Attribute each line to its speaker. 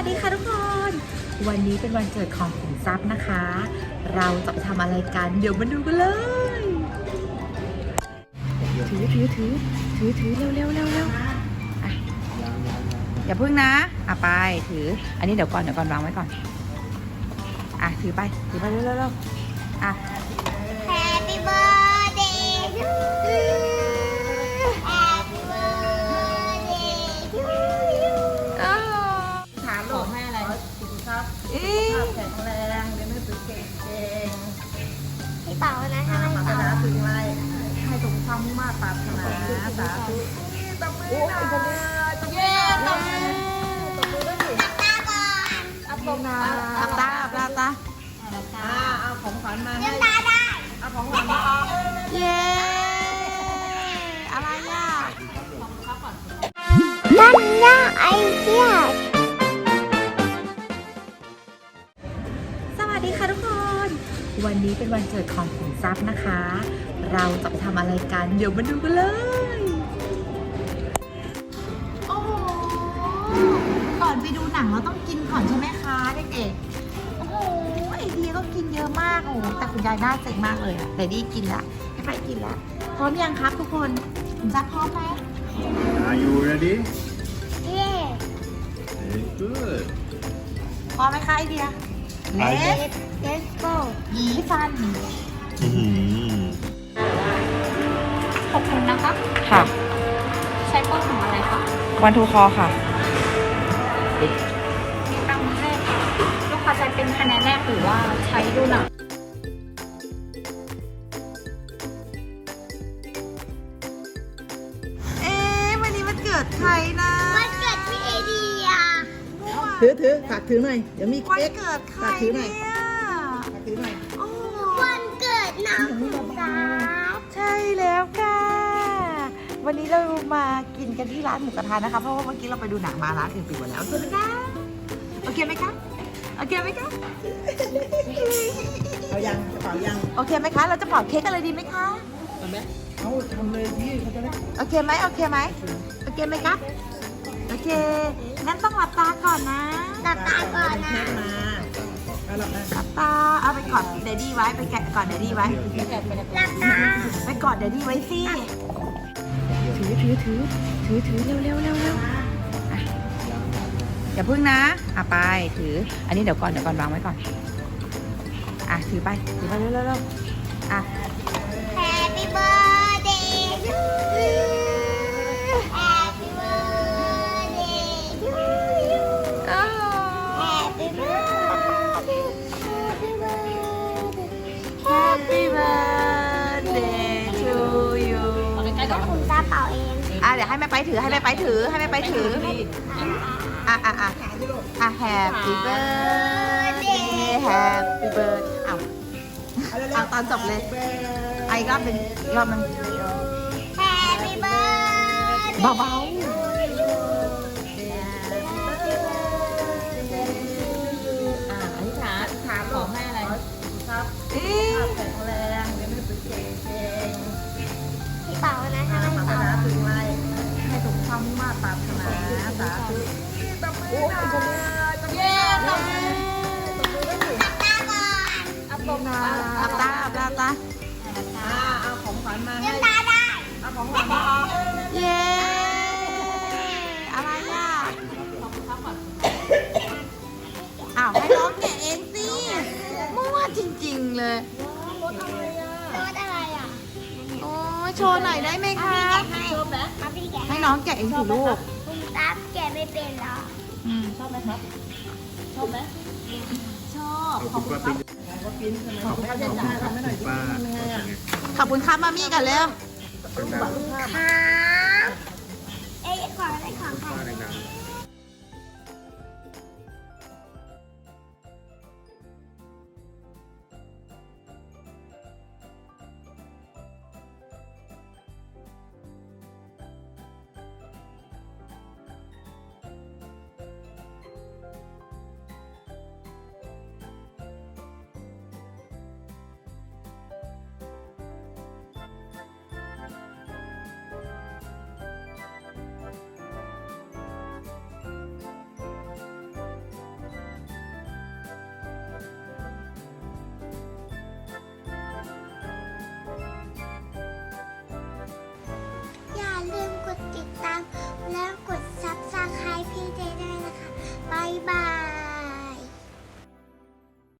Speaker 1: ดีค่ะทุกคน วันนี้เป็นวันเกิดของขุนทรัพย์นะคะ เราจะไปทำอะไรกันเดี๋ยวมาดูกันเลยถือเร็วอ่ะอย่าพึ่งนะไปถืออันนี้เดี๋ยวก่อนวางไว้ก่อนถือไปเร็ว
Speaker 2: Happy birthday to you Happy birthday to you
Speaker 1: ถามหลวงแม่อะไรสุขภาพแข็งแรงเรียนหนังสือเก่ง
Speaker 2: พี่เป๋านะทำไม
Speaker 1: ปรารถ
Speaker 2: เป๋า
Speaker 1: นาสิ่งไรให้สมความมุ่งมั่นปรารถนาสาธุตบมือเย้ตบมือด้วยสิ
Speaker 2: ตาก่อน
Speaker 1: อัปตาเอาของขวัญมาให้
Speaker 2: ตาได้
Speaker 1: เอาของขวัญมาเย้อะไรอ่ะ
Speaker 2: นั่นย่าไอเดีย
Speaker 1: สวัสดีค่ะทุกคน วันนี้เป็นวันเกิดของขุนทรัพย์นะคะ เราจะไปทำอะไรกันเดี๋ยวมาดูกันเลยโอ้โหก่อนไปดูหนังเราต้องกินก่อนใช่ไหมคะเด็กๆโอ้โหไอเดียก็กินเยอะมากโอ้โหแต่คุณยายน่าเซ็งมากเลยอะแต่ดีกินละให้ไปกินละพร้อมยังครับทุกคนขุนทรัพย์พร้อมไหม
Speaker 3: Are you ready?
Speaker 2: เย่
Speaker 3: Very good.
Speaker 1: พร้อมไหมคะไอเดียเล็ก
Speaker 2: let's go
Speaker 1: หยีฟัน
Speaker 4: ขอบคุณนะคะ
Speaker 1: ค่ะ
Speaker 4: ใช้โปรของอะไรคะ
Speaker 1: วันทูคอค่ะ
Speaker 4: มีตังค์ให้ลูกค้าใช้เป็นคะแนนแรกหรือว่าใช้ดูหนัง
Speaker 1: วันนี้มันเกิดใครนะ
Speaker 2: วันเกิดพี่ไอเดีย
Speaker 5: ถือฝากถือหน่อย เดี๋ยวมี
Speaker 1: วัน
Speaker 5: เค้ก
Speaker 1: เกิดใคร
Speaker 5: ฝากถือหน่อย
Speaker 1: เนี่ย
Speaker 5: ฝากถือหน่อย
Speaker 1: โอ้
Speaker 2: วันเกิดน้องขุนทรัพย์
Speaker 1: ใช่แล้วค่ะ วันนี้เรามากินกันที่ร้านหมูกระทะนะคะ เพราะว่าเมื่อกี้เราไปดูหนังมาร้านอื่นปิดหมดแล้วใช่ไหมคะโอเคไหมคะโอเคไหมคะ
Speaker 5: เอายังกระเป๋ายัง
Speaker 1: โอเคไหมคะ เราจะเป่าเค้กกันเลยดีไหมคะ
Speaker 5: เอาไหมเอาทำเลยพี่เขาจะได้
Speaker 1: โอเคไหมโอเคไหมครับโอเคงั้นต้องหลับตาก่อนนะ
Speaker 2: หลับตาก่อนนะ
Speaker 5: เค้กมาเอาหลับนะ
Speaker 1: หลับตาเอาไปกอดเดดดี้ไว้ไปแกะกอดเดดดี้ไว้
Speaker 2: หลับตา
Speaker 1: ไปกอดเดดดี้ไว้สิถือเร็วอ่ะอย่าพึ่งนะไปถืออันนี้เดี๋ยวก่อนวางไว้ก่อนถือไปเร็ว
Speaker 2: Happy birthday to you Happy birthday to you Happy birthday Happy birthday
Speaker 1: Happy birthday to you
Speaker 2: แล้วคุณตาเป่าเอง
Speaker 1: เดี๋ยวให้แม่ไปถือHappy birthday Happy birthday เอาตอนจบเลยอีกรอบหนึ่ง
Speaker 2: Happy birthday
Speaker 1: เบา
Speaker 4: อธิษฐานถามขอให้อะไร
Speaker 1: ๆเอ๊ะ
Speaker 5: แข็งแรงเดี๋ยวไม่เป็นเก่ง
Speaker 2: พี่เป๋านะทำไม
Speaker 5: ปรารถ
Speaker 2: เป๋า
Speaker 5: นาสิ่งไรให้สมความมุ่งมั่นปรารถนาสาธุตบมือเย้ตบมือด้วยสิ
Speaker 2: ตาก่อน
Speaker 5: อัปตา
Speaker 1: หลับตา
Speaker 5: เอาของขวัญมาให้
Speaker 2: ตาได้
Speaker 5: เอาของขวัญมา
Speaker 1: เย้อะไรอ่ะให้น้องแกะเองสิมั่วจริงๆเลย
Speaker 2: รถอะไรอ่ะ
Speaker 1: โอ้ยโชว์หน่อยได้ไหมคะ
Speaker 2: ให้เอาพี่แกะ
Speaker 1: ให้น้องแกะเองสิลูก
Speaker 2: คุณตาแกะไม่เป็นหรอ
Speaker 4: ชอบไหมครับ ชอบไหม
Speaker 3: ขอบคุณป้าปิ๊ง
Speaker 5: ขอบคุณป้าเจนจ้าทำให้หน่อยดิ
Speaker 3: ป้า
Speaker 1: ขอบคุณครับมามี่กันเร็ว
Speaker 3: เป็นแบบ
Speaker 2: ครับ